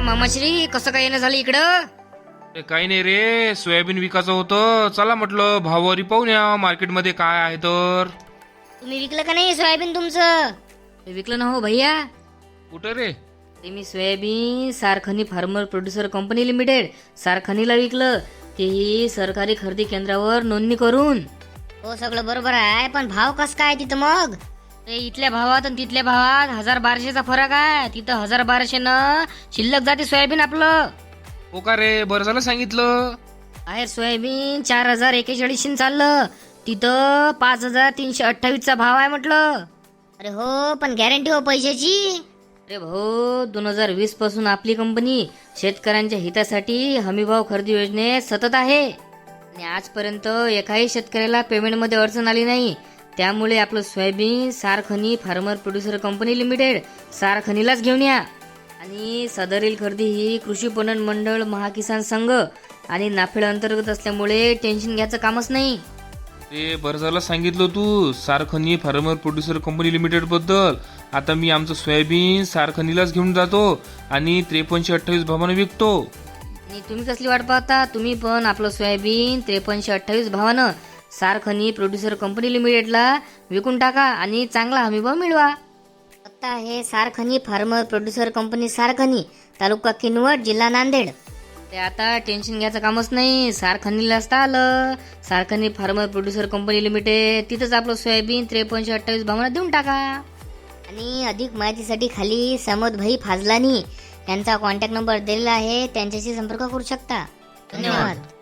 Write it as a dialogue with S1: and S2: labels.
S1: मामाश्री कसं काय येणं झालं इकडं?
S2: काही नाही रे, सोयाबीन विकायचं होतं. चला म्हटलं भाववारी पाहून या मार्केटमध्ये काय आहे तर.
S1: तुम्ही विकलं का नाही सोयाबीन तुमचं? विकलं ना हो भैया.
S2: कुठं रे?
S1: ते मी soybean Sarkhani farmer producer company limited सारखनीला विकलं, तेही सरकारी खरेदी केंद्रावर नोंदणी करून. हो सगळं बरोबर आहे, पण भाव कस काय तिथं मग? ते इथल्या भावात आणि तिथल्या भावात 1200चा फरक आहे. तिथं 1200 न शिल्लक जाते सोयाबीन आपलं.
S2: हो का रे, बरं झालं सांगितलं.
S1: बाहेर सोयाबीन 4041 चाललं, तिथं 5328चा भाव आहे म्हटलं. अरे हो, पण गॅरंटी हो पैशाची. अरे भाऊ, 2020 पासून आपली कंपनी शेतकऱ्यांच्या हितासाठी हमीभाव खरेदी योजनेत सतत आहे आणि आजपर्यंत एकाही शेतकऱ्याला पेमेंटमध्ये अडचण आली नाही. त्यामुळे आपलं soybean Sarkhani farmer producer company limited सारखनीलाच घेऊन या. आणि सदरील खरेदी ही कृषी पणन मंडळ, महाकिसान संघ आणि नाफेड अंतर्गत असल्यामुळे टेन्शन घ्यायचं कामच नाही.
S2: ते बरं झालं सांगितलं तू Sarkhani farmer producer company limited बद्दल. आता मी आमचं सोयाबीन सारखनीलाच घेऊन जातो आणि 5328 भावाने विकतो.
S1: आणि तुम्ही कसली वाट पाहता? तुम्ही पण आपलं सोयाबीन 5328 भावानं सारखनी प्रोड्युसर कंपनी लिमिटेडला विकून टाका आणि चांगला हमीभाव मिळवा. आता हे Sarkhani farmer producer company Sarkhani, taluka Kinwat, जिल्हा नांदेड. ते आता टेन्शन घ्यायचं कामच नाही. सारखनीला असता आलं, Sarkhani farmer producer company limited, तिथंच आपलं सोयाबीन 5328 भावानं देऊन टाका. आणि अधिक माहितीसाठी खाली समोद भाई फाजलानी यांचा कॉन्टॅक्ट नंबर दिलेला आहे, त्यांच्याशी संपर्क करू शकता. धन्यवाद.